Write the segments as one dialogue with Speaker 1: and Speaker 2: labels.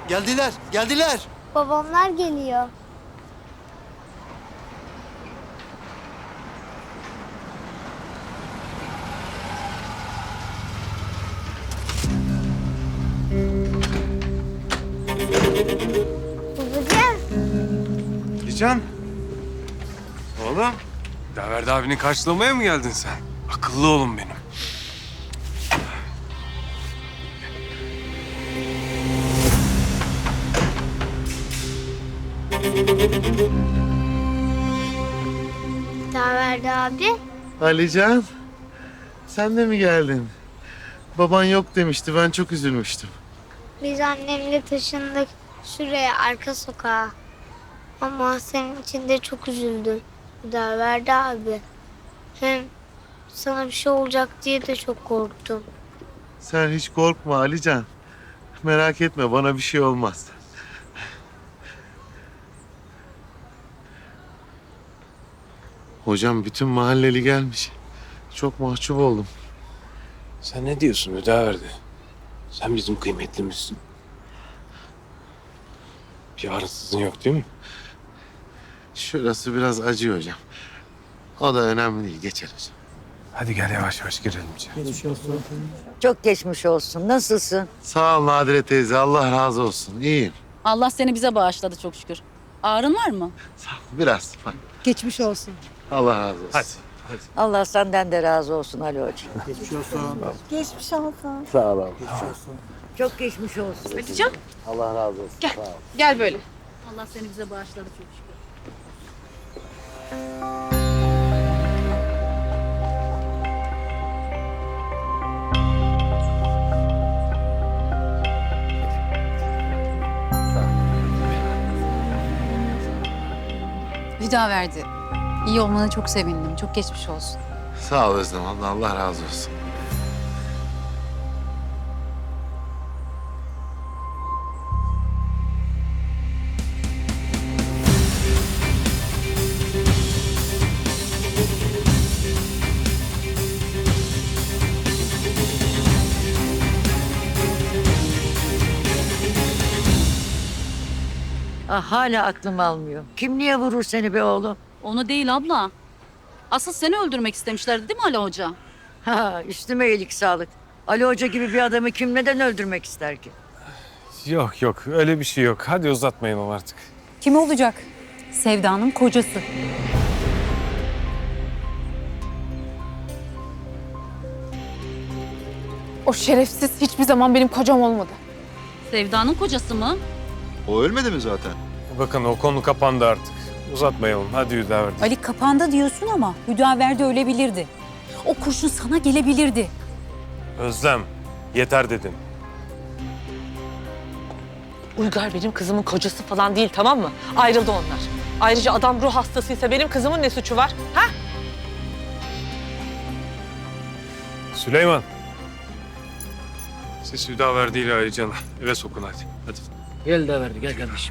Speaker 1: Geldiler, geldiler.
Speaker 2: Babamlar geliyor. Babacığım.
Speaker 3: Alican. Oğlum. Daverdi abini karşılamaya mı geldin sen? Akıllı oğlum benim.
Speaker 2: Daverdi abi.
Speaker 4: Alican, sen de mi geldin? Baban yok demişti, ben çok üzülmüştüm.
Speaker 2: Biz annemle taşındık şuraya arka sokağa. Ama senin için de çok üzüldüm. Daverdi abi. Hem sana bir şey olacak diye de çok korktum.
Speaker 4: Sen hiç korkma Alican. Merak etme, bana bir şey olmaz. Hocam bütün mahalleli gelmiş. Çok mahcup oldum.
Speaker 3: Sen ne diyorsun Hüdaverdi? Sen bizim kıymetlimizsin. Bir ağrısızın yok değil mi?
Speaker 4: Şurası biraz acıyor hocam. O da önemli değil, geçer hocam.
Speaker 3: Hadi gel yavaş yavaş girelim içeri.
Speaker 5: Çok geçmiş olsun. Nasılsın?
Speaker 4: Sağ ol Nadire teyze, Allah razı olsun. İyiyim.
Speaker 6: Allah seni bize bağışladı çok şükür. Ağrın var mı?
Speaker 4: Sağ ol. Biraz.
Speaker 7: Geçmiş olsun.
Speaker 4: Allah razı olsun.
Speaker 3: Hadi.
Speaker 5: Allah senden de razı olsun Ali Hoca.
Speaker 7: Geçmiş olsun.
Speaker 4: Sağ ol abi.
Speaker 5: Çok geçmiş olsun.
Speaker 8: Hatice'm
Speaker 4: Allah razı olsun.
Speaker 8: gel.
Speaker 4: Sağ ol.
Speaker 8: Gel böyle.
Speaker 6: Allah seni bize bağışladı çok şükür.
Speaker 7: Hüdaverdi. İyi olmana çok sevindim. Çok geçmiş olsun.
Speaker 4: Sağ ol Özlem abla, Allah razı olsun.
Speaker 5: Ah, hala aklım almıyor. Kim niye vurur seni be oğlum?
Speaker 6: Onu değil abla. Asıl seni öldürmek istemişlerdi değil mi Ali Hoca?
Speaker 5: Ha, üstüme iyilik sağlık. Ali Hoca gibi bir adamı kim neden öldürmek ister ki?
Speaker 3: Yok yok öyle bir şey yok. Hadi uzatmayalım artık.
Speaker 7: Kim olacak? Sevda'nın kocası.
Speaker 8: O şerefsiz hiçbir zaman benim kocam olmadı.
Speaker 6: Sevda'nın kocası mı?
Speaker 1: O ölmedi mi zaten?
Speaker 3: Bakın o konu kapandı artık. Uzatmayalım. Hadi Hüdaverdi.
Speaker 7: Ali kapandı diyorsun ama Hüdaverdi ölebilirdi. O kurşun sana gelebilirdi.
Speaker 3: Özlem yeter dedim.
Speaker 9: Uygar benim kızımın kocası falan değil, tamam mı? Ayrıldı onlar. Ayrıca adam ruh hastasıysa benim kızımın ne suçu var? Ha?
Speaker 3: Süleyman. Siz Hüdaverdi ile Alican'ı eve sokun hadi. Hadi.
Speaker 10: Gel de verdi, gel kardeşim.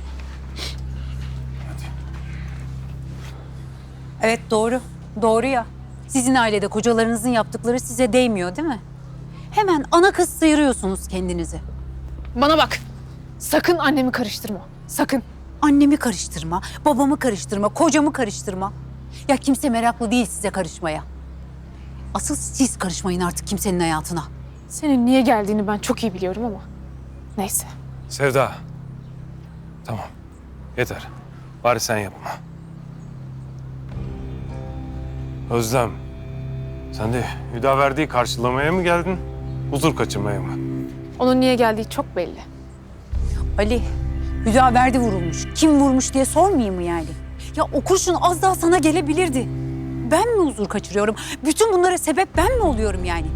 Speaker 7: Evet doğru. Doğru ya. Sizin ailede kocalarınızın yaptıkları size değmiyor değil mi? Hemen ana kız sıyırıyorsunuz kendinizi.
Speaker 8: Bana bak. Sakın annemi karıştırma. Sakın.
Speaker 7: Annemi karıştırma, babamı karıştırma, kocamı karıştırma. Ya kimse meraklı değil size karışmaya. Asıl siz karışmayın artık kimsenin hayatına.
Speaker 8: Senin niye geldiğini ben çok iyi biliyorum ama. Neyse.
Speaker 3: Sevda. Tamam. Yeter. Bari sen yapma. Özlem. Sen de Hüdaverdi'yi karşılamaya mı geldin? Huzur kaçırmaya mı?
Speaker 8: Onun niye geldiği çok belli.
Speaker 7: Ali, Hüdaverdi vurulmuş. Kim vurmuş diye sormayayım mı yani? Ya o kurşun az daha sana gelebilirdi. Ben mi huzur kaçırıyorum? Bütün bunlara sebep ben mi oluyorum yani?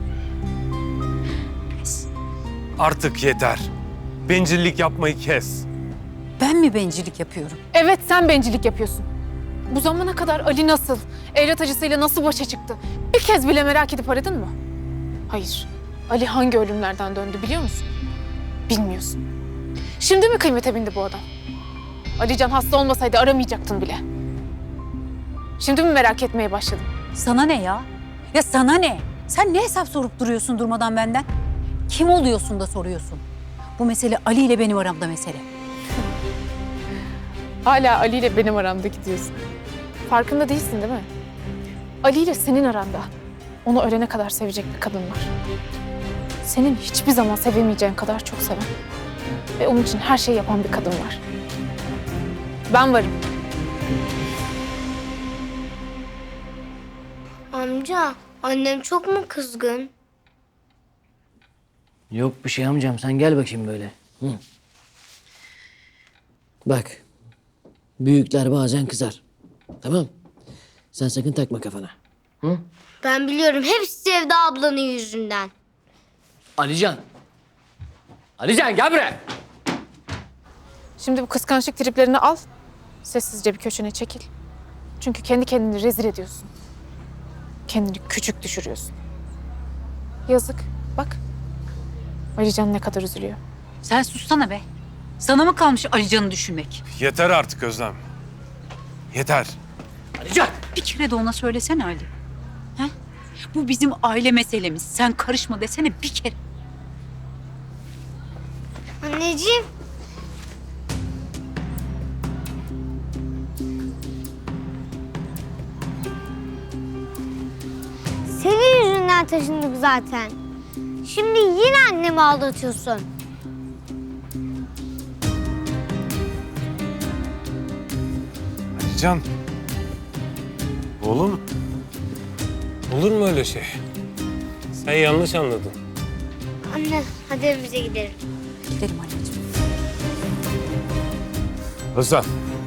Speaker 3: Artık yeter. Bencillik yapmayı kes.
Speaker 7: Ben mi bencillik yapıyorum?
Speaker 8: Evet sen bencillik yapıyorsun. Bu zamana kadar Ali nasıl, evlat acısıyla nasıl başa çıktı? Bir kez bile merak edip aradın mı? Hayır. Ali hangi ölümlerden döndü biliyor musun? Bilmiyorsun. Şimdi mi kıymete bindi bu adam? Alican hasta olmasaydı aramayacaktın bile. Şimdi mi merak etmeye başladın?
Speaker 7: Sana ne ya? Ya sana ne? Sen ne hesap sorup duruyorsun durmadan benden? Kim oluyorsun da soruyorsun? Bu mesele Ali ile benim aramda mesele.
Speaker 8: Hala Ali ile benim aramda gidiyorsun. Farkında değilsin değil mi? Ali ile senin aranda. Onu ölene kadar sevecek bir kadın var. Senin hiçbir zaman sevemeyeceğin kadar çok seven. Ve onun için her şeyi yapan bir kadın var. Ben varım.
Speaker 2: Amca, annem çok mu kızgın?
Speaker 10: Yok bir şey amcam, sen gel bakayım böyle. Hı. Bak, büyükler bazen kızar. Tamam. Sen sakın takma kafana. Hı?
Speaker 2: Ben biliyorum, hepsi Sevda ablanın yüzünden.
Speaker 10: Alican. Alican gel buraya.
Speaker 8: Şimdi bu kıskançlık triplerini al. Sessizce bir köşene çekil. Çünkü kendi kendini rezil ediyorsun. Kendini küçük düşürüyorsun. Yazık. Bak. Alican ne kadar üzülüyor.
Speaker 7: Sen sussana be. Sana mı kalmış Alican'ı düşünmek?
Speaker 3: Yeter artık Özlem. Yeter.
Speaker 10: Alican.
Speaker 7: Bir kere de ona söylesene Ali. He? Bu bizim aile meselemiz. Sen karışma desene bir kere.
Speaker 2: Anneciğim. Senin yüzünden taşındık zaten. Şimdi yine annemi aldatıyorsun.
Speaker 3: Alican. Oğlum. Olur mu öyle şey? Sen yanlış anladın.
Speaker 2: Anne, hadi evimize gidelim.
Speaker 7: Gidelim anneciğim.
Speaker 3: Özlem.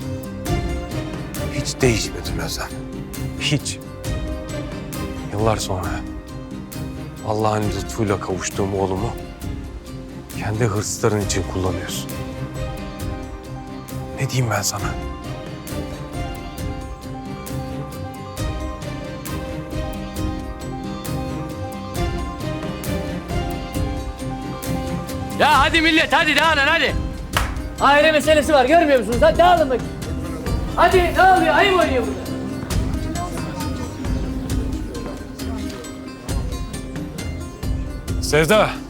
Speaker 3: Hiç değişmedin Özlem. Hiç. Yıllar sonra Allah'ın lütfuyla kavuştuğum oğlumu kendi hırsların için kullanıyorsun. Ne diyeyim ben sana?
Speaker 10: Ya hadi millet, hadi dağılın hadi. Aile meselesi var, görmüyor musunuz? Hadi dağılın bakayım. Hadi ne oluyor? Ayıp oynuyor burada.
Speaker 3: Sevda.